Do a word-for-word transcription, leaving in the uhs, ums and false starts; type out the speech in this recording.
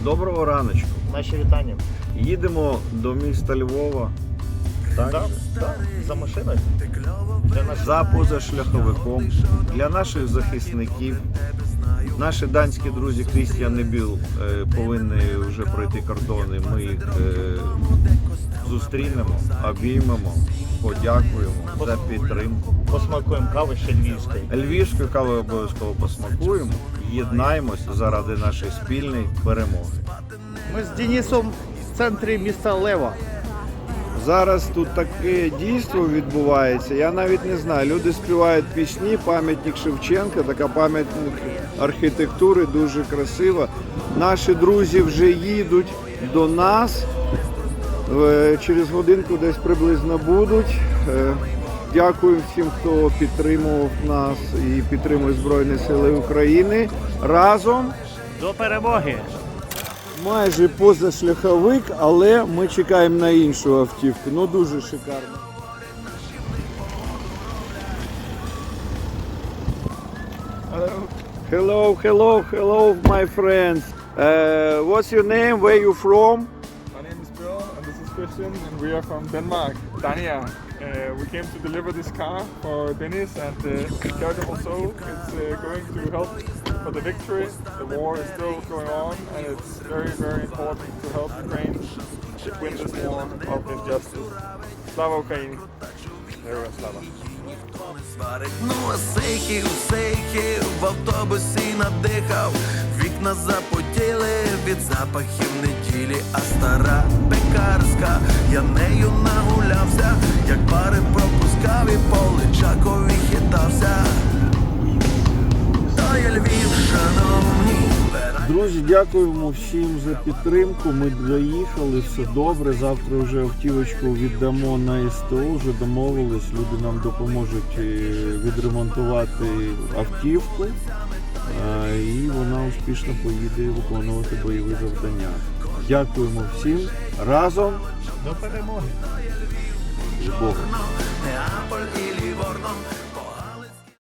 Доброго раночку. Наші вітання. Їдемо до міста Львова. Так? За, за, за машиною. Для наших... За позашляховиком. Для наших захисників. Наші данські друзі Крістіан і Біл е, повинні вже пройти кордони. Ми їх е, зустрінемо, обіймемо, подякуємо за підтримку. Посмакуємо кави ще львівської. Львівську каву обов'язково посмакуємо. Єднаємось заради нашої спільної перемоги. Ми з Денисом в центрі міста Лева. Зараз тут таке дійство відбувається, я навіть не знаю. Люди співають пісні, пам'ятник Шевченка, така пам'ятник архітектури, дуже красива. Наші друзі вже їдуть до нас, через годинку десь приблизно будуть. Дякую всім, хто підтримував нас і підтримує Збройні Сили України. Разом До перемоги! майже позашляховик, але ми чекаємо на іншу автівку. Ну дуже шикарно. Hello, hello, hello, my friends. Uh, what's your name? Where you from? My name is Bill and this is Christian and we are from Denmark, Dania. Uh, we came to deliver this car for Dennis and uh, Charitable Soul. It's uh, going to help for the victory. The war is still going on and it's very, very important to help Ukraine win this war of injustice. Slava Ukraini! Героям слава! Ну а сейхів, сейхів в автобусі надихав, вікна запотіли від запахів неділі, а стара пекарська, я нею нагулявся, як пари пропускав і по Личакові хитався. То є Львів, шановні. Друзі, дякуємо всім за підтримку. Ми доїхали, все добре. Завтра вже автівочку віддамо на СТО, вже домовились. Люди нам допоможуть відремонтувати автівку. І вона успішно поїде виконувати бойові завдання. Дякуємо всім. Разом До перемоги! з Богом. Неаполь і Ліворно.